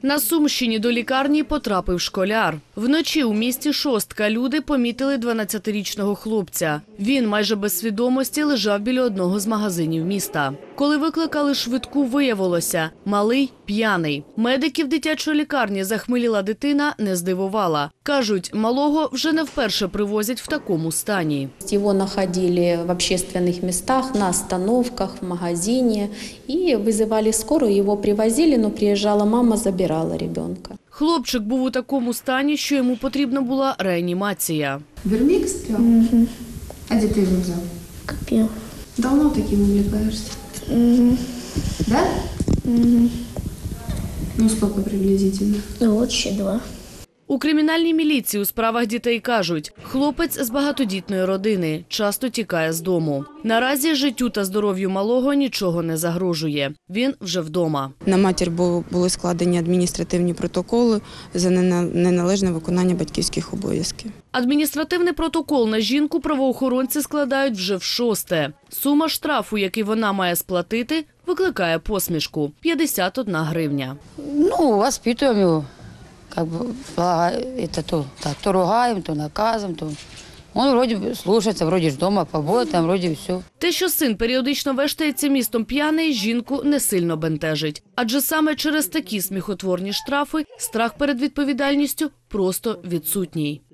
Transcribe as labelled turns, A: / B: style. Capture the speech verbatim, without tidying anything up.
A: На Сумщині до лікарні потрапив школяр. Вночі у місті Шостка люди помітили дванадцятирічного хлопця. Він майже без свідомості лежав біля одного з магазинів міста. Коли викликали швидку, виявилося – малий п'яний. Медиків дитячої лікарні захмеліла дитина не здивувала. Кажуть, малого вже не вперше привозять в такому стані.
B: Його знаходили в общественних містах, на остановках, в магазині. І визивали скору, його привозили, але приїжджала мама, забирала ребенка.
A: Хлопчик був у такому стані, що йому потрібна була реанімація.
C: Вермик стрел? Угу. А где ты его взял?
D: Купил.
C: Давно таким увлекаешься?
D: Угу.
C: Да?
D: Угу.
C: Ну сколько приблизительно?
D: Вот ще два.
A: У кримінальній міліції у справах дітей кажуть, хлопець з багатодітної родини, часто тікає з дому. Наразі життю та здоров'ю малого нічого не загрожує. Він вже вдома.
E: На матір були складені адміністративні протоколи за неналежне виконання батьківських обов'язків.
A: Адміністративний протокол на жінку правоохоронці складають вже в шосте. Сума штрафу, який вона має сплатити, викликає посмішку – п'ятдесят одна гривня.
F: Ну, воспитуємо його. Как бы, это то, так, то ругаем, то наказом, то он вроде бы слушается, вроде ж дома побудет, вроде все.
A: Те, що син періодично вештається містом п'яний, жінку не сильно бентежить. Адже саме через такі сміхотворні штрафи страх перед відповідальністю просто відсутній.